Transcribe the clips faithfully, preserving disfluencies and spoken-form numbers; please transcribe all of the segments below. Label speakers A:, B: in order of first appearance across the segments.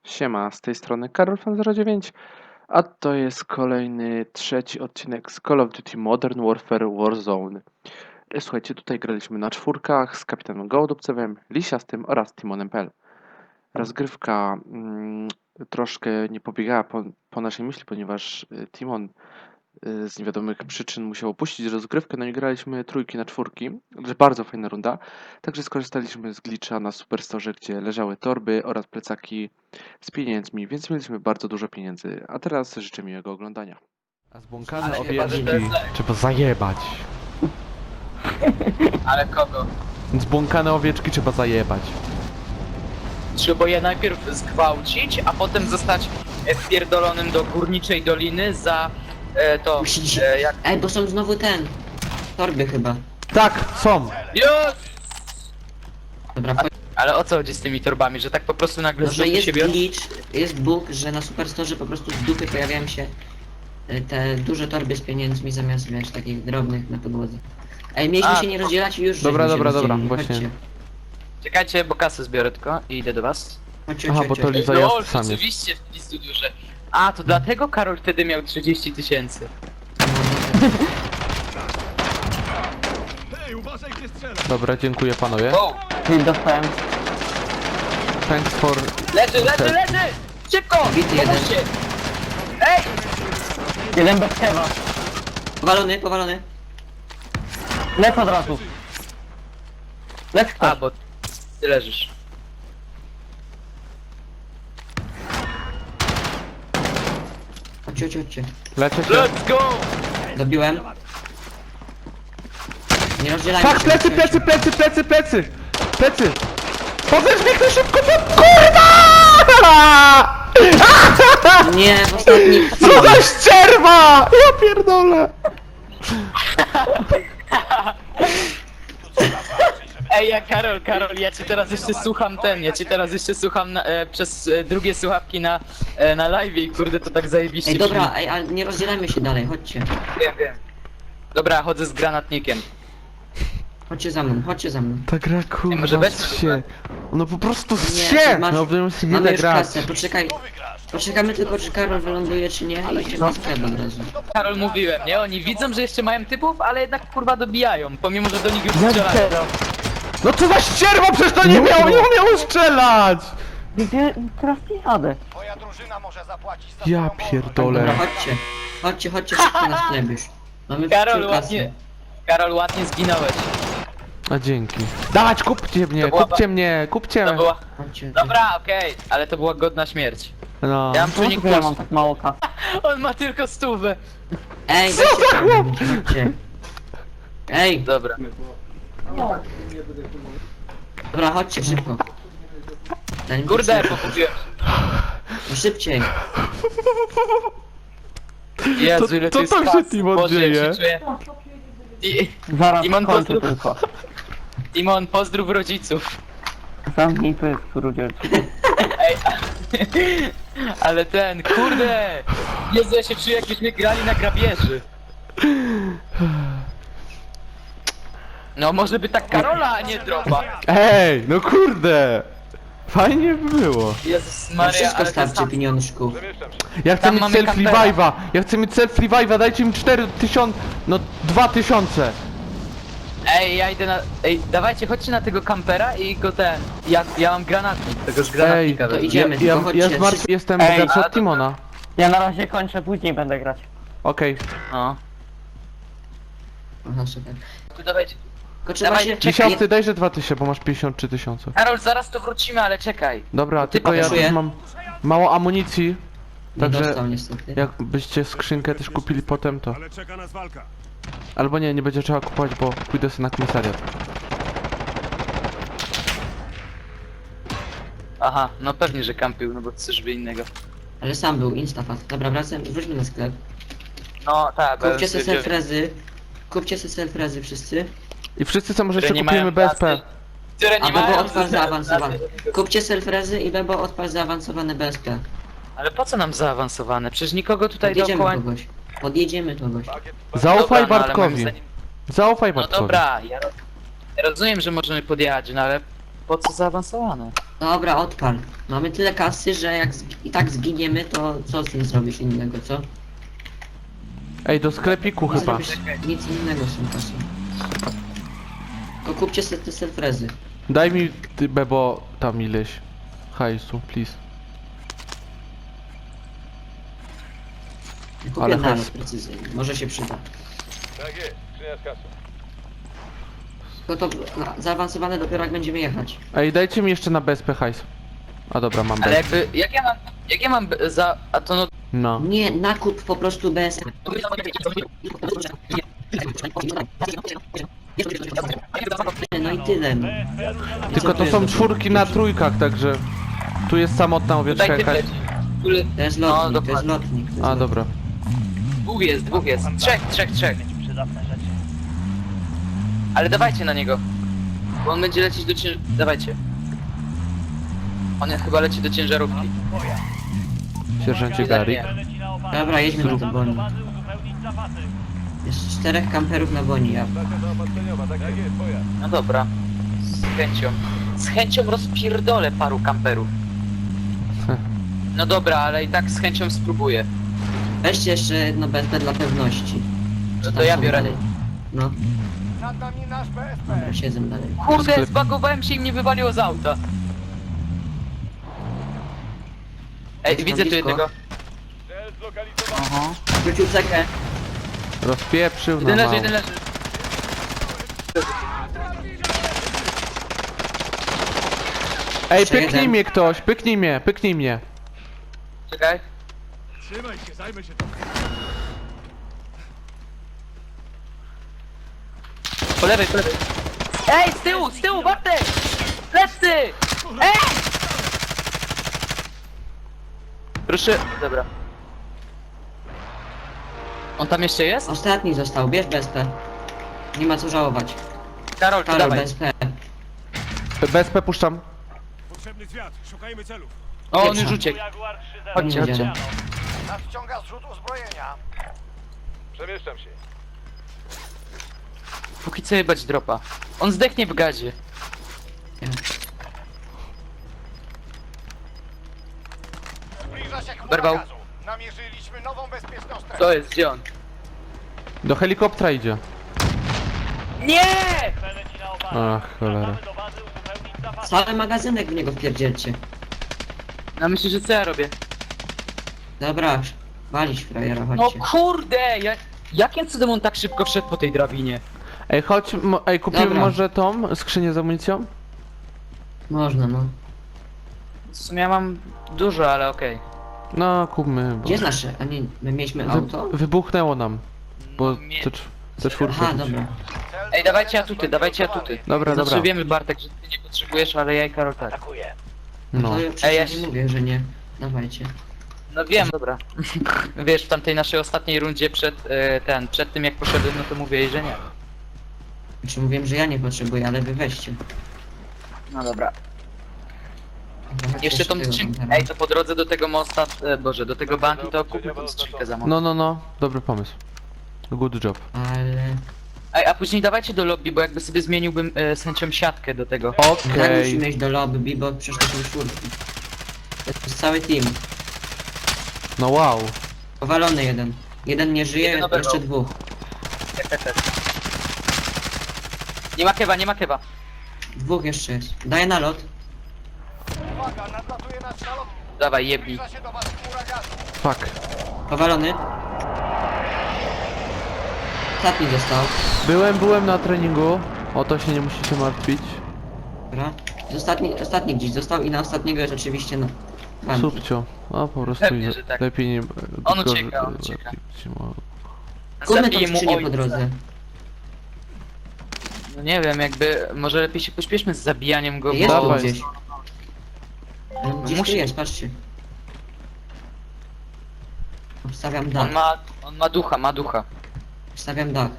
A: Siema, z tej strony Karolfan zero dziewięć, a to jest kolejny, trzeci odcinek z Call of Duty Modern Warfare Warzone. E, Słuchajcie, tutaj graliśmy na czwórkach z kapitanem Gołodupcewem, Lisiastym oraz Timonem P L. Rozgrywka mm, troszkę nie pobiegała po, po naszej myśli, ponieważ y, Timon y, z niewiadomych przyczyn musiał opuścić rozgrywkę, no i graliśmy trójki na czwórki, także bardzo fajna runda. Także skorzystaliśmy z glitcha na Superstore, gdzie leżały torby oraz plecaki z pieniędzmi, więc mieliśmy bardzo dużo pieniędzy. A teraz życzę miłego oglądania.
B: A zbłąkane
C: Ale chyba, że
B: owieczki
C: to jest-
B: trzeba zajebać.
C: Ale kogo?
B: Zbłąkane owieczki trzeba zajebać.
C: Trzeba je najpierw zgwałcić, a potem zostać e, wpierdolonym do górniczej doliny za e, to,
D: Musisz-
C: e, jak...
D: Ej, bo są znowu ten. Torby chyba.
B: Tak, są!
C: Już!
D: Dobra, chodź.
C: Ale o co chodzi z tymi torbami, że tak po prostu nagle
D: No,
C: z
D: że
C: dupy
D: jest
C: się biorą?
D: glitch, jest bug, że na Superstore po prostu z dupy pojawiają się y, te duże torby z pieniędzmi zamiast, wiesz, takich drobnych na podłodze. Ej, mieliśmy
C: A,
D: się nie
C: to-
D: rozdzielać i już
B: Dobra,
D: żeśmy się
B: dobra, dobra,
D: rozdzielili.
B: właśnie.
D: Chodźcie.
C: Czekajcie, bo kasę zbiorę tylko i idę do was.
D: Chodźcie,
B: Aha,
D: chodźcie,
B: bo to
D: chodźcie.
B: li- Za
C: Lol,
B: jazd sam jest.
C: rzeczywiście w listu duże. A, to dlatego Karol wtedy miał trzydzieści tysięcy.
B: Dobra, dziękuję panowie.
C: Wow!
E: Dostałem.
B: Thanks for...
C: Leży, leży, leży! Szybko!
D: Bity jeden.
C: Pomóżcie! Ej!
E: Jeden bez kewa.
D: Powalony, powalony.
E: Lec od razu. Lec
C: A,
E: ktoś.
C: bo ty leżysz.
D: Chodźcie, chodźcie, chodźcie.
B: Leczę się.
C: Let's go!
D: Dobiłem. Nie rozdzielajmy
B: Tak,
D: się.
B: plecy,
D: chodźcie,
B: plecy, plecy, plecy, plecy! Plecy! Powiedz mi ktoś szybko, co... KURWA!
D: chodźcie. Nie, w ostatnich
B: Co za ścierwa! Ja pierdolę!
C: Ej, ja Karol, Karol, ja cię teraz jeszcze słucham ten, ja cię teraz jeszcze słucham na, e, przez e, drugie słuchawki na, e, na live i kurde to tak zajebiście
D: Ej, dobra,
C: brzmi.
D: ej, ale nie rozdzielajmy się dalej, chodźcie.
C: Wiem, wiem. Dobra, chodzę z granatnikiem.
D: Chodźcie za mną, chodźcie za mną.
B: Ta gra kurwa
C: może bez-
B: się. No po prostu
D: Nie,
B: się!
D: masz-
B: No będziemy sobie
D: Mamy
B: ile
D: już
B: grać.
D: kasę, poczekaj. Poczekamy tylko, czy Karol wyląduje, czy nie, i idziemy na sklep od razu.
C: Karol, mówiłem, nie? Oni widzą, że jeszcze mają typów, ale jednak kurwa dobijają, pomimo, że do nich już
E: Jak
C: strzelają.
E: teraz?
B: No co za ścierwa, przecież to nie
E: Nie
B: miało, nie
E: było.
B: umiało strzelać!
E: Gdzie teraz nie jadę?
F: Twoja drużyna może zapłacić za
B: Ja
F: swoją wolność.
B: pierdolę.
D: Dobra, chodźcie. Chodźcie, chodźcie szybko na sklep już. Mamy
C: Karol,
D: wciul kasy.
C: ładnie, Karol, ładnie zginąłeś.
B: A dzięki. Dawać, kupcie mnie,
C: To była
B: kupcie mnie, kupcie!
C: To była...
D: Chodźcie.
C: Dobra, okej, ale to była godna śmierć.
B: No.
C: Ja mam
E: Czemu
C: czujnik
E: ja
C: plus.
E: mam tak mało kasy?
C: On ma tylko stówę.
D: Ej, weźcie chodźcie, chodźcie. Ej,
C: Dobra.
D: dobra, chodźcie szybko. Zanim
C: Kurde,
D: to szybko.
C: pokupiłem.
D: No szybciej.
C: Jezu, ile
B: co
C: tu jest
B: tam się,
C: kasy.
B: Timon,
C: Boże, jak
B: dzieje?
C: się czuję. I,
E: Zaraz
C: Timon,
E: kończę
C: pozdrów.
E: tylko.
C: Timon, pozdrów rodziców.
E: Zamknij pysk, rudzielczyku.
C: Ej, ale ten, kurde! Jezu, ja się czuję jakbyśmy grali na grabieży. No może by tak Karola, a nie dropa.
B: Ej, no kurde! Fajnie by było.
C: Jezus
D: Na
C: Maria,
D: wszystko
C: ale to
D: starczy
C: sam...
D: pieniążków.
B: Ja chcę
C: Tam
B: mieć
C: mamy
B: self
C: kampera.
B: revive'a! Ja chcę mieć self revive'a, dajcie mi cztery tysiące, no dwa tysiące!
C: Ej, ja idę na... Ej, dawajcie, chodźcie na tego kampera i go ten... Ja, ja mam granatnik, tego z
B: Ej,
C: granatnika
D: to
C: wezmę.
D: idziemy.
B: ja,
D: tylko
B: ja,
D: chodźcie,
B: ja zmartw...
D: wszyscy-
B: jestem
E: Ej,
B: bogatszy
C: a
B: od
C: to-
B: Timona.
E: Ja na razie kończę, później będę grać.
B: Okej.
C: No.
D: Aha, super.
C: Tu dawajcie.
D: Tylko trzeba
C: Dawaj,
D: się...
C: czekaj.
B: Tysiące, dajże dwa tysiące, bo masz pięćdziesiąt trzy tysiące.
C: Karol, zaraz tu wrócimy, ale czekaj.
B: Dobra,
C: Ty
B: tylko ja
C: pasuje.
B: też mam mało amunicji.
D: Nie
B: Także
D: dostał niestety.
B: jakbyście skrzynkę też kupili potem to.
F: Ale czeka nas walka.
B: Albo nie, nie będzie trzeba kupować, bo pójdę sobie na komisariat.
C: Aha, no pewnie, że kampił, no bo coś by innego.
D: Ale sam był, instafat. Dobra, wracam, wróćmy na sklep.
C: No tak,
D: Kupcie se selfrezy. Kupcie se selfrezy wszyscy.
B: I wszyscy co może
C: które
B: jeszcze
C: nie
B: kupimy
C: mają
B: B S P.
C: kasy, które nie
D: A Bebo
C: mają
D: odpal
C: kasy.
D: zaawansowany. Kupcie selfrezy i Bebo odpal zaawansowane B S P.
C: Ale po co nam zaawansowane? Przecież nikogo tutaj
D: Podjedziemy
C: dookoła...
D: kogoś. Podjedziemy kogoś.
B: Zaufaj
C: Dobra, no, ale moim
B: Bartkowi.
C: zdaniem-
B: Zaufaj
C: No
B: Bartkowi.
C: dobra, ja, ro- ja rozumiem, że możemy podjechać, no ale po co zaawansowane?
D: Dobra, odpal. Mamy tyle kasy, że jak zg- i tak zginiemy, to co z tym zrobisz innego, co?
B: Ej, do sklepiku
D: Nie
B: chyba.
D: zrobisz nic innego z tą kasą. Tylko kupcie sobie te selfrezy.
B: Daj mi, ty, Bebo, tam ileś hajsu, please.
D: Kupię
B: Ale
D: nalot
B: hajs.
D: precyzyjny, może się przyda.
F: Tak jest, skrzynia z kasą.
D: Tylko to no, zaawansowane dopiero jak będziemy jechać.
B: Ej, dajcie mi jeszcze na B S P hajs. A dobra, mam
C: Ale
B: B.
C: jakby, jak ja mam, jak ja mam b- za, a to no...
B: No.
D: Nie, nakup po prostu bez... No i tyle. No.
B: Tylko to są czwórki na trójkach, także... Tu jest samotna owieczka
C: Tutaj
B: jakaś.
C: typ leci. Który...
D: To jest
C: No,
D: lotnik, to jest
C: dokładnie.
D: lotnik. To jest
B: A,
D: lotnik.
B: dobra.
C: Dwóch jest, dwóch jest. Trzech, trzech, trzech. Ale dawajcie na niego. Bo on będzie lecieć do cięż... Dawajcie. On jest, chyba leci do ciężarówki.
B: Sierżancie Gary.
D: Dobra, jedźmy na to boni. Jest czterech kamperów na boni, ja.
F: Stacja zaopatrzeniowa, tak jest, pojazd.
C: No dobra. Z chęcią. Z chęcią rozpierdolę paru kamperów. No dobra, ale i tak z chęcią spróbuję.
D: Weźcie jeszcze jedno B S P dla pewności.
C: No
D: Czy
C: to
D: tam
C: ja
D: są
C: biorę.
D: dalej? No,
F: Nad nami nasz B S P.
D: dobra, siedzę dalej.
C: Kurde,
B: Sklep.
C: zbagowałem się i mnie wywaliło z auta. Ej,
D: Jest
C: widzę tu
D: blisko.
C: jednego.
F: Cel zlokalizowany.
C: Aha.
D: Wrócił cekę.
B: Rozpieprzył na
C: Jeden leży,
B: mało.
C: jeden leży.
B: Ej,
D: Jeszcze
B: pyknij
D: jeden.
B: mnie ktoś, pyknij mnie, pyknij mnie.
C: Czekaj.
F: Trzymaj się, zajmę się tym.
C: Po lewej, po lewej. Ej, z tyłu, z tyłu, Bartek! Lecy! Ej! Proszę, dobra. On tam jeszcze jest?
D: Ostatni został, bierz B S P. Nie ma co żałować.
C: Karol, to
D: Karol,
C: dawaj.
D: B S P.
B: B S P puszczam.
F: Potrzebny zwiat, szukajmy celów.
C: O, on
D: Pierwsza.
C: już uciekł. Chodźcie,
D: Nie
C: chodźcie.
D: wiadomo.
F: Nadciąga zrzut uzbrojenia. Przemieszczam się.
C: Póki co jebać dropa. On zdechnie w gazie.
F: Zbliża się chmura
C: Berwał.
F: gazu. Namierzyliśmy nową bezpieczną strefę.
C: Co jest, gdzie on?
B: Do helikoptera idzie.
C: Nie!
B: Ach, cholera.
D: Cały magazynek w niego wpierdzielcie.
C: No myślę, że co ja robię?
D: Dobra, walić frajera,
C: No
D: chodźcie.
C: kurde! Jak, jakim cudem on tak szybko wszedł po tej drabinie?
B: Ej, chodź, mo- ej, kupimy
D: Dobra.
B: może tą skrzynię z amunicją?
D: Można, no.
C: W sumie ja mam dużo, ale okej.
B: No, kupmy, bo...
D: Gdzie jest nasze? A nie, my mieliśmy auto?
B: Wy, wybuchnęło nam, bo
C: Mie-
B: te, cz- te czwórki.
D: Aha, dobra.
F: Cel
C: Ej, dawajcie
F: zlecenia
C: atuty, dawajcie atuty.
B: Dobra,
C: Znaczy
B: dobra.
C: wiemy, Bartek, że ty nie potrzebujesz, ale ja i Karol tak.
B: No.
D: To ja
C: Ej,
D: przecież
C: ja
D: nie
C: się-
D: mówię, że nie. Dawajcie.
C: No wiem, dobra. Wiesz, w tamtej naszej ostatniej rundzie przed e, ten, przed tym jak poszedłem, no to mówię, że nie.
D: Znaczy mówiłem, że ja nie potrzebuję, ale wy weźcie.
C: No dobra.
D: Dobra, chodźcie
C: Jeszcze tą
D: tego
C: skrzynkę.
D: kampera.
C: Ej, to po drodze do tego mosta, e, boże, do tego banki to kupmy tą skrzynkę za most.
B: No, no, no, dobry pomysł. Good job.
D: Ale...
C: Ej, a później dawajcie do lobby, bo jakby sobie zmieniłbym e, z chęcią siatkę do tego.
D: Tak
B: Okej.
D: musimy iść do lobby, bo przecież to są czwórki. To jest cały team.
B: No wow.
D: Powalony jeden. Jeden nie żyje,
C: Jeden oberwał.
D: jeszcze dwóch.
C: Tak, tak, tak. Nie ma kewa, nie ma kewa.
D: Dwóch jeszcze jest. Daję nalot.
F: Uwaga, nadlatuje nasz nalot.
C: Dawaj, jebnij.
F: Zbliża się do was chmura gazu.
B: Fuck.
D: Powalony. Ostatni został.
B: Byłem, byłem na treningu. O to się nie musicie martwić.
D: Dobra. Ostatni, ostatni gdzieś został i na ostatniego jest oczywiście na banki.
B: Subcio. No po prostu
C: Pewnie,
B: nie,
C: że tak.
B: lepiej nie...
C: On
B: tylko-
C: ucieka, on ucieka.
B: no.
D: Kupmy tą
C: Zabiję mu
D: skrzynię
C: ojca.
D: po drodze.
C: No nie wiem, jakby, może lepiej się pośpieszmy z zabijaniem go,
D: Jest tu
B: Dawaj.
D: gdzieś. Gdzieś
C: musi-
D: tu jest, patrzcie. Obstawiam dach.
C: on ma, on ma ducha, ma ducha.
D: Obstawiam dach.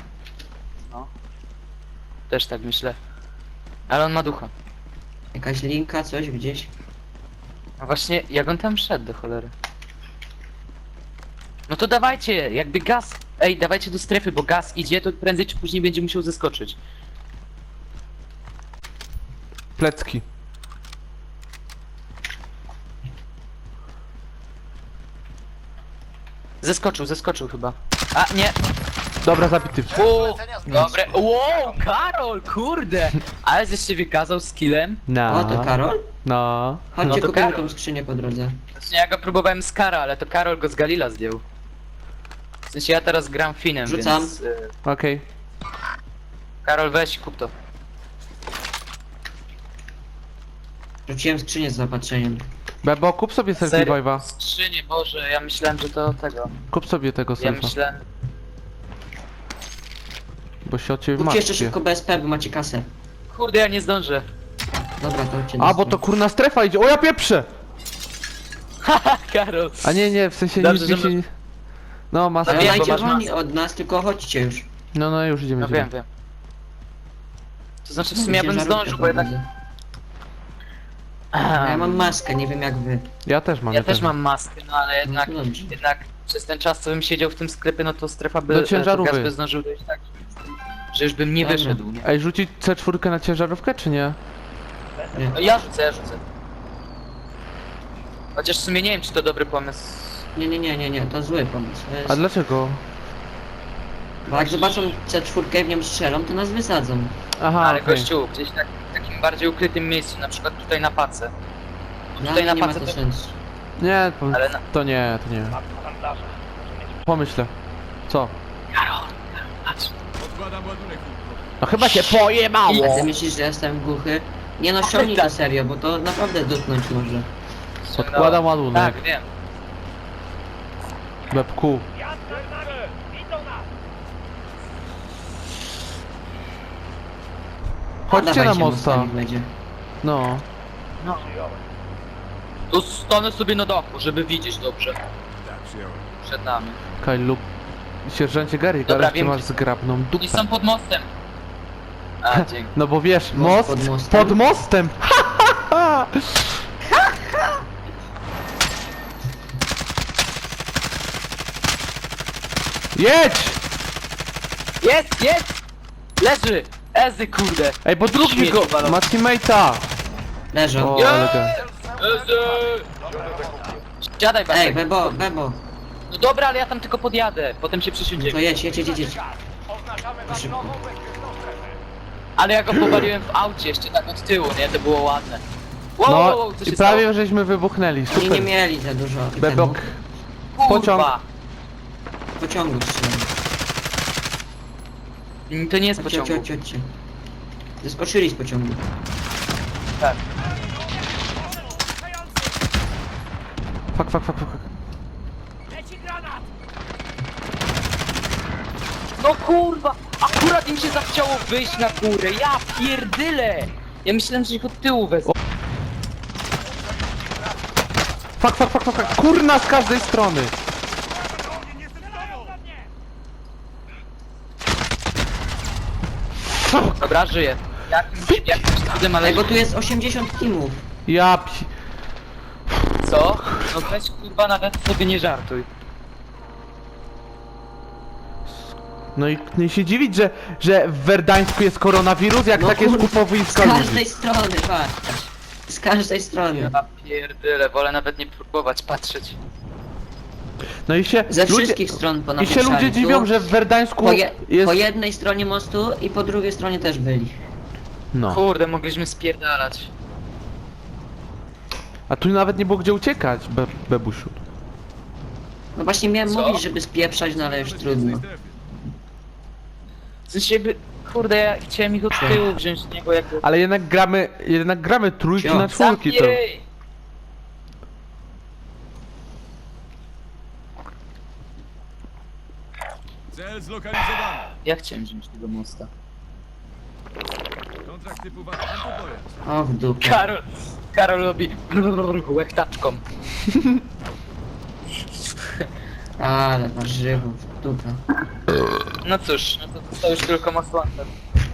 C: Też tak myślę. Ale on ma ducha.
D: Jakaś linka, coś gdzieś.
C: No właśnie, jak on tam szedł do cholery? No to dawajcie, jakby gaz... Ej, dawajcie do strefy, bo gaz idzie, to prędzej czy później będzie musiał zeskoczyć.
B: Plecki.
C: Zeskoczył, zeskoczył chyba. A, nie.
B: Dobra, zabity.
C: O, dobre. Wow, Karol, kurde. Ale żeś się wykazał skillem.
B: No.
D: O, to Karol?
B: No.
D: Chodźcie,
C: No to
D: kupimy
C: Karol.
D: tą skrzynię po drodze.
C: Znaczy, ja go próbowałem z Kara, ale to Karol go z Galila zdjął. W sensie ja teraz gram Finem,
D: Rzucam.
C: więc... y,
B: Okej.
C: Karol, weź, kup to.
D: Rzuciłem skrzynię z zaopatrzeniem.
B: Bebo, kup sobie selfie vibe'a.
C: Skrzynie, Boże, ja myślałem, że to tego.
B: Kup sobie tego
C: Ja
B: selfa.
C: myślałem...
B: Bo się o ciebie
D: Kupcie jeszcze
B: martwię.
D: szybko B S P, bo macie kasę.
C: Kurde, ja nie zdążę.
D: Dobra, to chodźcie.
B: A, bo to kurna strefa idzie. O, ja pieprzę!
C: Haha, Karol.
B: A nie, nie, w sensie
C: Dobrze,
B: nic mi
C: że
B: się... nie- No, masa.
C: No
D: Ale
C: wiem, bo
D: najcie
C: masz
D: wolni
C: masę.
D: od nas, tylko chodźcie już.
B: No, no, już idziemy,
C: No
B: idziemy.
C: wiem, wiem. To znaczy w sumie ja bym
D: Ciężarówkę
C: zdążył, bo jednak...
D: prowadzę. A ja mam maskę, nie wiem jak wy.
B: Ja też mam.
C: Ja też mam maskę, no ale jednak...
D: No to dobrze.
C: Jednak przez ten czas, co bym siedział w tym sklepie, no to strefa by...
B: Do
C: e,
B: ciężarówki.
C: to gaz by zdążył dojść tak, że już bym nie
D: Dobra.
C: wyszedł, nie?
B: Ej, rzucić C cztery na ciężarówkę, czy nie?
C: No ja rzucę, ja rzucę. Chociaż w sumie nie wiem, czy to dobry pomysł.
D: Nie, nie, nie, nie, nie, to zły pomysł. To jest...
B: A dlaczego?
D: Bo jak zobaczą C cztery i w nią strzelą, to nas wysadzą.
B: Aha,
C: Ale
B: okej.
C: gościu, gdzieś tak, w takim bardziej ukrytym miejscu, na przykład tutaj na pace.
D: No,
C: Tutaj
D: ale
C: na
D: nie ma
C: pace
D: to
C: to...
D: sensu.
B: Nie, to,
C: Ale na...
B: to nie, to nie. Pomyślę. Co?
C: Patrz.
B: No chyba się pojebało!
D: A ty myślisz, że jestem głuchy? Nie no, ściągnij to serio, bo to naprawdę dotknąć może.
B: Podkładam ładunek.
C: Tak, wiem.
B: Bebku. Chodźcie na
D: Dawajcie,
B: mosta.
D: mostami będzie.
B: No.
C: Tu stanę sobie na dachu, żeby widzieć dobrze. Przed nami.
B: Kaj lub... Sierżancie Gary,
C: Dobra,
B: teraz ty
C: wiem,
B: masz
C: gdzie-
B: zgrabną
C: Oni
B: dupę.
C: są pod mostem. A, dzięki.
B: No bo wiesz,
D: Most
B: most
D: pod mostem.
B: pod mostem! Jedź!
C: Jest, jest! Leży! Ezy, kurde!
B: Ej, bo drugi
C: Śmieci
B: go
C: walą.
B: ma teammate'a!
D: Leżą.
B: O, ale go.
C: Ezy! Siadaj,
D: Ej,
C: Bartek.
D: Bebo, Bebo.
C: No dobra, ale ja tam tylko podjadę. Potem się
D: To
C: przysiądziemy.
D: jedź, jedź, jedź, jedź, jedź.
F: Oznaczamy nam
D: Szybko.
F: nową bezpieczną strefę.
C: Ale ja go powaliłem w aucie, jeszcze tak od tyłu, nie? To było ładne. Wow, wow,
B: No
C: wow, co się
B: i prawie
C: stało?
B: żeśmy wybuchnęli,
D: Oni nie
B: super.
D: mieli za dużo
B: Bebok.
D: temu.
B: pociąg.
C: Kurwa.
D: Pociągu strzelają.
C: Mm, To nie jest
D: Chodźcie,
C: pociągu.
D: chodźcie, chodźcie. Zeskoczyli z pociągu.
C: Tak.
B: Fuck, fuck, fuck, fuck.
C: No kurwa! Akurat im się zachciało wyjść na górę, ja pierdyle! Ja myślałem, że ich od tyłu wezmę.
B: Fuck, fuck, fuck, fuck, fuck. Kurna z każdej strony!
C: Dobra, żyję. Jakimś, jakimś cudem, ale...
D: Ej, bo tu jest osiemdziesiąt teamów.
B: Ja pi...
C: Co? No weź kurwa, nawet sobie nie żartuj.
B: No i nie się dziwić, że, że w Werdańsku jest koronawirus, jak
D: No
B: takie
D: kurwa,
B: skupowiska
D: Z
B: ludzi.
D: każdej strony, patrz. Z każdej strony.
C: Ja pierdyle, wolę nawet nie próbować patrzeć.
B: No i się
D: Ze
B: ludzie,
D: wszystkich stron
B: i się
D: ponapieprzali.
B: ludzie
D: Tu
B: dziwią, że w Werdańsku
D: po, je,
B: jest...
D: po jednej stronie mostu i po drugiej stronie też byli.
B: No,
C: Kurde, mogliśmy spierdalać.
B: a tu nawet nie było gdzie uciekać, be, bebusiu.
D: No właśnie miałem
C: Co?
D: mówić, żeby spieprzać, no ale już trudno.
C: W sensie jakby... Kurde, ja chciałem ich od tyłu wziąć z niego jakby...
B: Ale jednak gramy, jednak gramy trójki
D: Cio.
B: na czwórki, to...
C: Zamknij!
G: Cel zlokalizowany.
C: Ja chciałem wziąć tego mosta.
G: Kontrakt typu pojazd.
D: O, w dupę.
C: Karol... Karol robi... łechtaczką.
D: Ale warzywo, w dupę.
C: No cóż, no to został już tylko most Lander.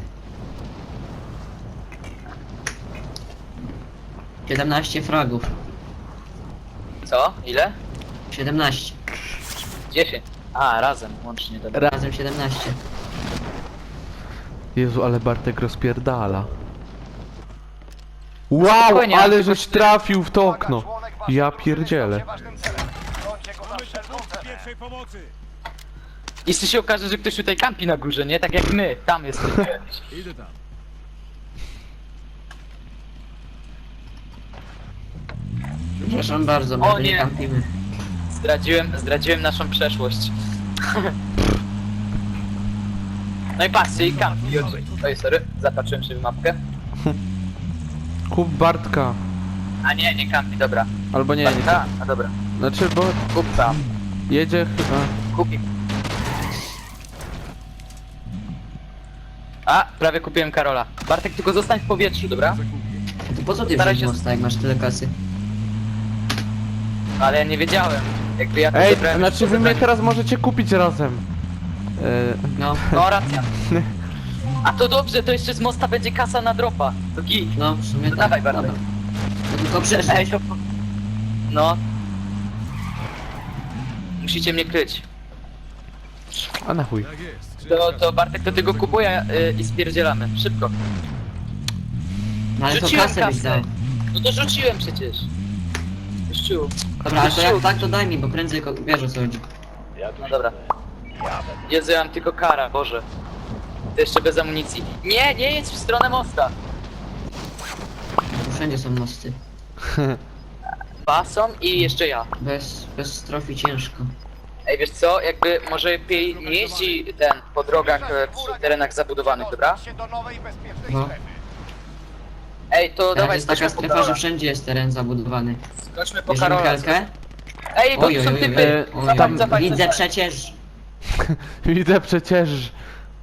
D: siedemnaście fragów.
C: Co? Ile?
D: siedemnaście.
C: dziesięć. A, razem, łącznie, dobra.
D: Razem siedemnaście.
B: Jezu, ale Bartek rozpierdala. Wow,
C: spokojnie,
B: ale
C: tylko
B: żeś
C: cztery-
B: trafił w to okno. Ja pierdzielę.
F: Ważnym celem. Brońcie go
G: Mamy tu punkt pierwszej pomocy.
C: Jeśli się okaże, że ktoś tutaj kampi na górze, nie? Tak jak my, tam jesteśmy.
G: Idę tam.
D: Przepraszam bardzo, my
C: O
D: tu nie
C: nie.
D: kampimy.
C: Zdradziłem, zdradziłem naszą przeszłość. No i patrzcie, i kampi. Oj, sorry, zapatrzyłem się w mapkę.
B: Kup Bartka.
C: A nie, nie kampi, dobra.
B: Albo nie, nie.
C: A, a dobra.
B: Znaczy, bo
C: Kup tam.
B: jedzie chyba...
C: Kupi. A, prawie kupiłem Karola. Bartek, tylko zostań w powietrzu, dobra?
D: To po co ty
C: Staraj
D: wziąć
C: się-
D: mosta, jak masz tyle kasy?
C: Ale ja nie wiedziałem. Jakby ja to
B: Ej,
C: zebrałem
B: znaczy
C: już
B: wy
C: po
B: mnie
C: zebraniu.
B: teraz możecie kupić razem. E,
D: No,
C: No, racja. A to dobrze, to jeszcze z mosta będzie kasa na dropa. To git.
D: no, w sumie
C: To
D: tak.
C: dawaj, Bartek.
D: Dobra. To tylko przeżyć.
C: Ej, to... No. Musicie mnie kryć.
B: a na chuj.
G: Tak jest.
C: To, to Bartek, to ty go kupuje y, i spierdzielamy. Szybko.
D: No ale to
C: Rzuciłem
D: kasę byś dał.
C: No to rzuciłem przecież. Gościu.
D: Dobra, ale to
C: Gościu.
D: jak tak to daj mi, bo prędzej ko- wiesz o co chodzi.
C: No dobra. Jezu, ja mam tylko kara, Boże. To jeszcze bez amunicji. Nie, nie jedź w stronę mosta.
D: Tu wszędzie są mosty.
C: Bason i jeszcze ja.
D: Bez, bez strofi ciężko.
C: Ej, wiesz co, jakby może lepiej nie jeździ ten po drogach e, przy terenach zabudowanych, dobra?
F: Się do nowej bezpiecznej
D: No.
F: strefy.
C: Ej, to
D: Teraz
C: dawaj,
D: jest taka
C: skoczmy po
D: strefa, że
C: Karola.
D: wszędzie jest teren zabudowany.
C: Skoczmy po
D: Bierzemy
C: Karola.
D: helkę?
C: Ej, bo
D: Oj,
C: tu
D: oj,
C: są
D: oj,
C: typy.
D: oj,
B: Tam-
C: Zapać, zapać,
D: Widzę
C: zapać.
D: przecież.
B: Widzę przecież.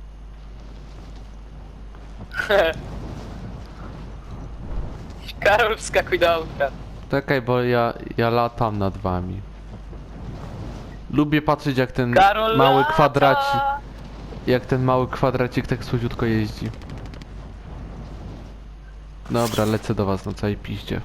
C: Karol, wskakuj do auta.
B: Czekaj, bo ja, ja latam nad wami. Lubię patrzeć jak ten
C: Karol,
B: mały
C: lata!
B: kwadracik, jak ten mały kwadracik tak słodziutko jeździ. Dobra, lecę do was na całej piździe.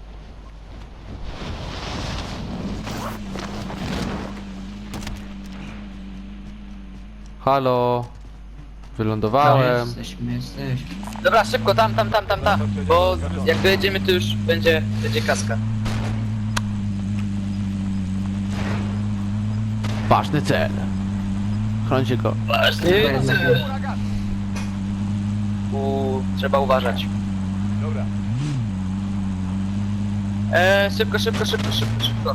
B: Halo.
D: No,
B: Wylądowałem.
D: jesteśmy, jesteśmy.
C: Dobra, szybko, tam, tam, tam, tam, tam. Bo jak dojedziemy, to już będzie, będzie kaska.
B: Ważny cel. Chroncie go.
C: Ważny
D: Dobra,
C: cel. U, trzeba uważać.
F: Dobra.
C: Eee, szybko, szybko, szybko, szybko, szybko.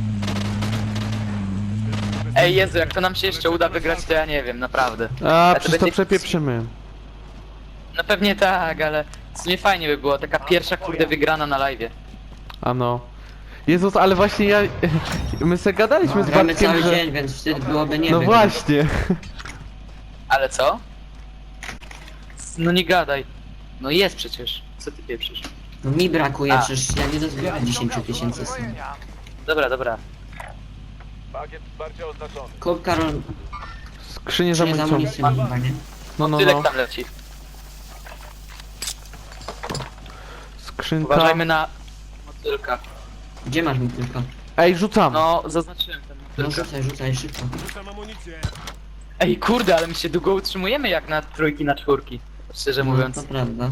C: Ej, Jezu, jak to nam się jeszcze uda wygrać, to ja nie wiem, naprawdę.
B: A,
C: to
B: przecież to
C: będzie-
B: przepieprzymy.
C: No pewnie tak, ale w sumie fajnie by było, taka pierwsza kurde wygrana na live'ie.
B: Ano. Jezus, ale właśnie ja... My se gadaliśmy z
D: Gramy
B: Bartkiem,
D: cały
B: że...
D: dzień, więc wstyd byłoby nie
B: No
D: wygrać.
B: właśnie.
C: Ale co? No nie gadaj. No jest przecież. Co ty pieprzysz?
D: No mi brakuje,
C: A.
D: przecież ja nie dozbieram dziesięć tysięcy sam.
F: Uzbrojenia.
C: Dobra, dobra.
F: Pakiet wsparcia oznaczony.
D: Kup Karol,
B: Skrzynie z
D: czy nie z
B: amunicją.
D: amunicją chyba, nie?
B: No, no,
C: Tylek
B: no.
C: tam leci.
B: Skrzynka.
C: Uważajmy na motylka.
D: Gdzie masz mi tylko?
B: Ej, rzucam.
C: No, zaznaczyłem ten
D: No
C: motylka.
D: rzucaj, rzucaj szybko.
G: Rzucam amunicję.
C: Ej, kurde, ale my się długo utrzymujemy jak na trójki, na czwórki. Szczerze
D: No,
C: mówiąc.
D: to prawda.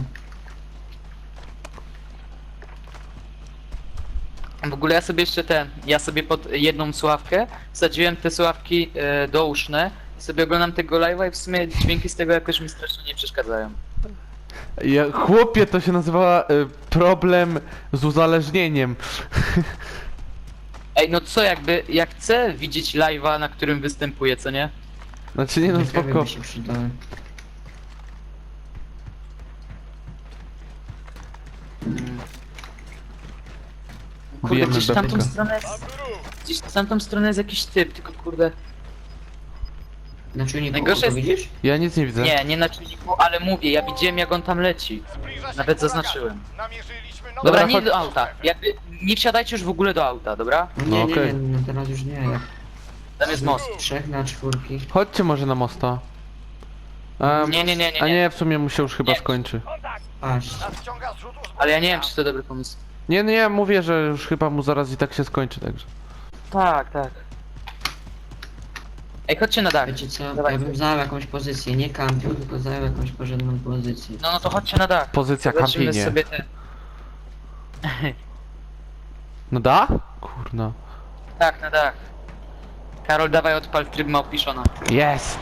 C: W ogóle ja sobie jeszcze ten, ja sobie pod jedną słuchawkę wsadziłem te słuchawki e, douszne i sobie oglądam tego live'a i w sumie dźwięki z tego jakoś mi strasznie nie przeszkadzają.
B: Ja, chłopie, to się nazywa y, problem z uzależnieniem.
C: Ej, no co jakby, jak chcę widzieć live'a, na którym występuję, co nie?
B: Znaczy nie no,
D: Ciekawe
B: spoko.
D: by się przydały.
C: Kurde,
B: Bijemy
C: gdzieś w tamtą
B: bebka.
C: stronę jest, gdzieś w tamtą stronę jest jakiś typ, tylko kurde...
D: Na czujniku
C: Najgorsze
D: oko
C: jest-
D: widzisz?
B: Ja nic nie widzę.
C: Nie, nie na czujniku, ale mówię, ja widziałem jak on tam leci.
F: Zbliża się
C: Nawet
F: huragan.
C: zaznaczyłem.
F: Namierzyliśmy nowe
C: Dobra,
B: Dobra,
C: nie
B: chodź-
C: do auta, jakby nie wsiadajcie już w ogóle do auta, dobra?
D: No
B: No
D: nie, nie,
B: okej.
D: nie, no teraz już nie. Jak
C: Tam jest most.
D: trzech na czwórki.
B: Chodźcie może na mosta. A,
C: Nie, nie, nie, nie,
B: a
C: nie.
B: nie, w sumie mu się już chyba
C: Nie.
B: skończy.
F: Kontakt.
D: Patrz.
F: Nadciąga zrzut uzbrojenia.
C: Ale ja nie wiem, czy to dobry pomysł.
B: Nie, nie, ja mówię, że już chyba mu zaraz i tak się skończy, także.
C: Tak, tak. Ej, chodźcie na dach.
D: Wiecie co,
C: Dawaj.
D: ja bym zajął jakąś pozycję, nie kampił, tylko zajął jakąś porządną pozycję.
C: No, no to chodźcie na dach.
B: Pozycja
C: Zobaczymy
B: kampienie.
C: sobie te...
B: No da? Kurna.
C: Tak, na dach. Karol, dawaj odpal tryb Małpiszona.
B: Jest!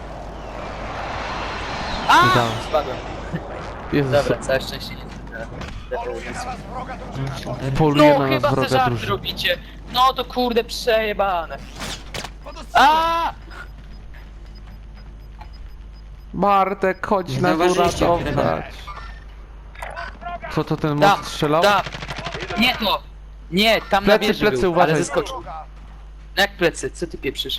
C: A!
B: Udało.
C: Spadłem.
B: Jezus,
C: Dobra, całe szczęście nie.
F: Zaraz wroga drużyna.
B: poluje
C: No
B: na nas
C: chyba te
B: wroga
C: żart
B: drużyna.
C: robicie. No to kurde przejebane. A!
B: Bartek, chodź
D: Nie
B: nas
D: zauważyliście,
B: uratować. Co to ten
C: Da,
B: most strzelał?
C: da. Nie to! Nie, tam
B: Plecy,
C: na wieży
B: plecy,
C: był,
B: uważaj.
C: ale zeskoczył. No jak plecy? Co ty pieprzysz?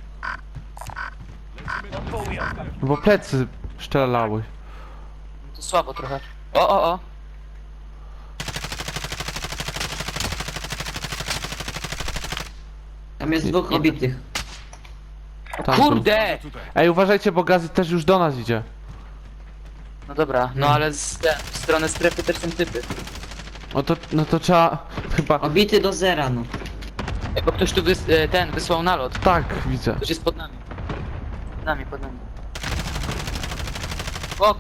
B: Bo plecy strzelały.
C: To słabo trochę. O, o, o.
D: Tam jest dwóch obitych.
B: Tam są.
C: Kurde!
B: Ej, uważajcie, bo gaz też już do nas idzie.
C: No dobra, no ale z, ten, w stronę strefy też są typy.
B: No to, no to trzeba chyba...
D: Obity do zera, no.
C: Ej, bo ktoś tu wys, e, ten wysłał nalot.
B: Tak, widzę.
C: Ktoś jest pod nami. Pod nami, pod nami. Ok.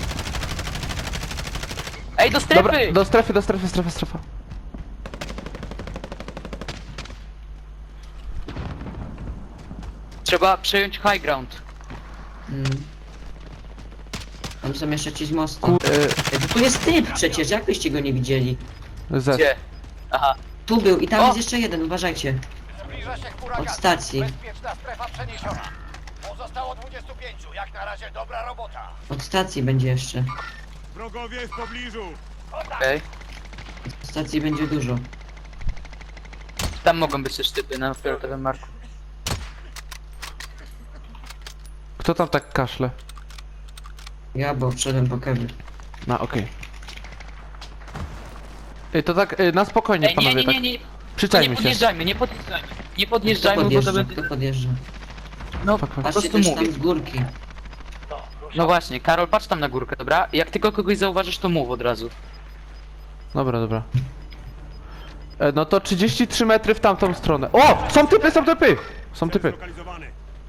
C: Ej, do strefy!
B: Dobra, do strefy, do strefy, strefa, strefa.
C: Trzeba przejąć high ground.
D: Mm. Tam są jeszcze ci z mostu.
B: Ku...
D: Ej, bo tu jest typ przecież, jak byście go nie widzieli?
B: Y, Z.
C: Gdzie? Aha.
D: Tu był i tam
C: O!
D: jest jeszcze jeden, uważajcie.
F: Zbliża się
D: Od
F: huragan.
D: stacji.
F: Bezpieczna strefa przeniesiona. Pozostało dwudziestu pięciu. Jak na razie dobra robota.
D: Od stacji będzie jeszcze.
G: Wrogowie w pobliżu.
C: Okej.
D: Od stacji będzie dużo.
C: Tam mogą być też typy na fioletowym marku.
B: Kto tam tak kaszle?
D: Ja, bo wszedłem po kewy.
B: No, okej. Ej, to tak, y, na spokojnie,
C: Ej, nie,
B: panowie,
C: nie, nie, nie.
B: tak.
C: Nie
B: Przyczajmy się.
C: podjeżdżajmy, nie podjeżdżajmy. Nie
D: Kto
C: podjeżdżajmy, bo to
D: podjeżdża?
C: będzie...
D: Kto podjeżdża?
C: No,
B: Fuck,
C: po
B: fuck.
D: Patrzcie
C: prostu
D: też
C: mówię.
D: tam z górki.
C: No właśnie, Karol, patrz tam na górkę, dobra? Jak tylko kogoś zauważysz, to mów od razu.
B: Dobra, dobra. E, no to trzydzieści trzy metry w tamtą stronę. O! Są typy, są typy! Są typy.
G: Zlokalizowany.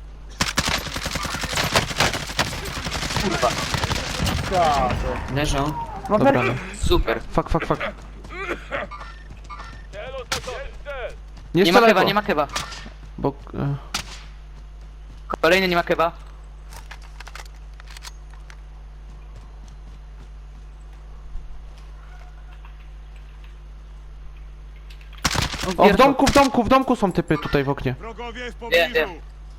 C: Kurwa.
D: Leżą.
B: Dobra, no.
C: Super.
B: Fuck, fuck, fuck.
F: Cel oznaczony. Cel.
B: Nie
C: Nie ma
B: strzelaj,
C: kewa,
B: bo-
C: nie ma kewa.
B: Bo... E,
C: Kolejny nie ma kewa.
B: o, w domku, w domku, w domku są typy tutaj w oknie.
G: Wrogowie w
C: Nie,
G: pobliżu.
C: nie.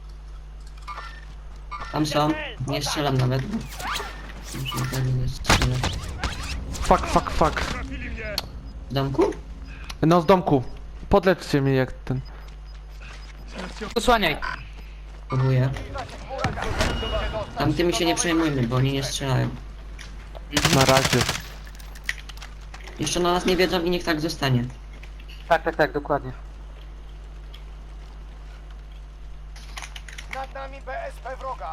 D: Tam są. Nie strzelam nawet. Muszę tak nie strzelać.
B: Fuck, fuck, fuck.
G: Trafili mnie.
D: W domku?
B: No z domku. Podleczcie mnie jak ten...
C: Posłaniaj.
D: Próbuję. Tam tymi się nie przejmujmy, bo oni nie strzelają.
B: Na razie.
D: Jeszcze na nas nie wiedzą i niech tak zostanie.
C: Tak, tak, tak, dokładnie.
F: Nad nami B S P wroga.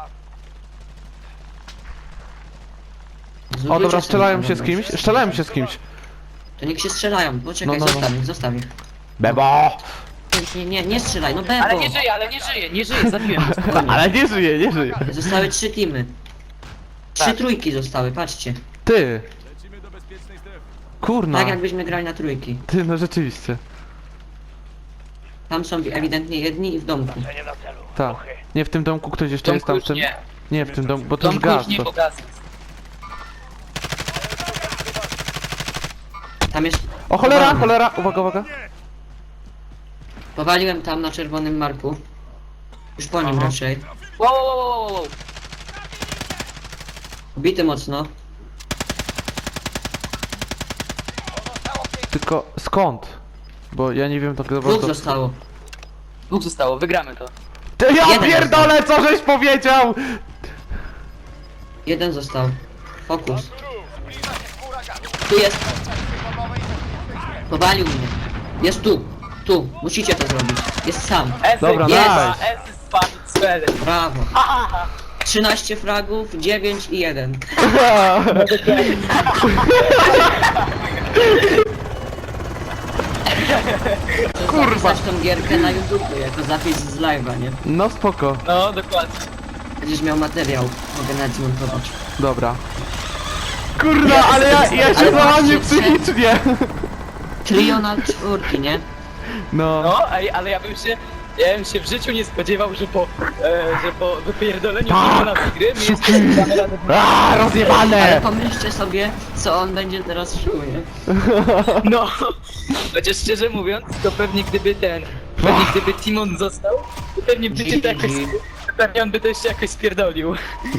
B: O
D: Zlutujcie
B: dobra,
D: sobie,
B: strzelają się z
D: dobra.
B: kimś? Strzelają się z kimś.
D: To niech się strzelają, poczekaj,
B: No, no, no.
D: zostaw ich, zostaw ich.
B: Bebo!
D: Nie, nie, nie strzelaj, no bebo!
C: Ale nie żyje, ale nie żyje, nie żyje, zabiłem go.
D: Spokojnie.
B: Ale nie żyje, nie żyje.
D: Zostały trzy teamy. Trzy
C: Tak.
D: trójki zostały, patrzcie.
B: Ty!
G: Lecimy do bezpiecznej strefy.
B: Kurna.
D: Tak jakbyśmy grali na trójki.
B: Ty, no rzeczywiście.
D: Tam są ewidentnie jedni i w domku.
F: Nie na celu.
B: Tak. Nie, w tym domku ktoś jeszcze jest
C: Domku
B: tam
C: już
B: w tym?
C: nie.
B: Nie, w tym domku, bo to już
C: Domku już
B: gaz.
C: nie,
B: To...
C: bo gaz jest.
D: Tam jest...
B: O cholera,
D: powalony.
B: cholera! Uwaga, uwaga.
D: Powaliłem tam na czerwonym marku. Już po nim
B: Aha.
D: raczej.
C: Wow, wow, wow, wow, wow.
D: Ubity mocno.
B: Tylko skąd? Bo ja nie wiem tak
D: Dwóch
B: dobrze.
D: zostało.
C: Dwóch zostało, wygramy to.
B: Ty, ja
D: Jeden
B: pierdolę, co żeś powiedział!
D: Jeden został. Fokus.
F: Zbliża się huragan.
D: Tu jest.
F: Bombowej
D: Powalił mnie. Jest tu. Tu. Musicie to zrobić. Jest sam.
C: S
B: Dobra,
C: jest,
B: nice.
C: S jest spamić cele.
D: Brawo. trzynaście fragów, dziewięć i jeden. Kurwa. tą gierkę na YouTube jako zapis z live'a, nie?
B: No spoko.
C: No, dokładnie.
D: Będziesz miał materiał. Mogę nawet zmontować.
B: Dobra. Kurna, ale ja, ja się
D: Ale
B: załamię
D: patrzcie,
B: psychicznie.
D: Trio na czwórki, nie?
B: No.
C: No, ej, ale ja bym się... Ja bym się w życiu nie spodziewał, że po, e, że po wypierdoleniu
B: Tak!
C: na tej gry mi jeszcze damy radę.
B: Aaa,
D: Ale
B: rozjebane!
D: pomyślcie sobie, co on będzie teraz czuł, nie?
C: No, chociaż szczerze mówiąc, to pewnie gdyby ten, pewnie gdyby Timon został, to pewnie by cię to jakoś, pewnie on by to jeszcze jakoś spierdolił.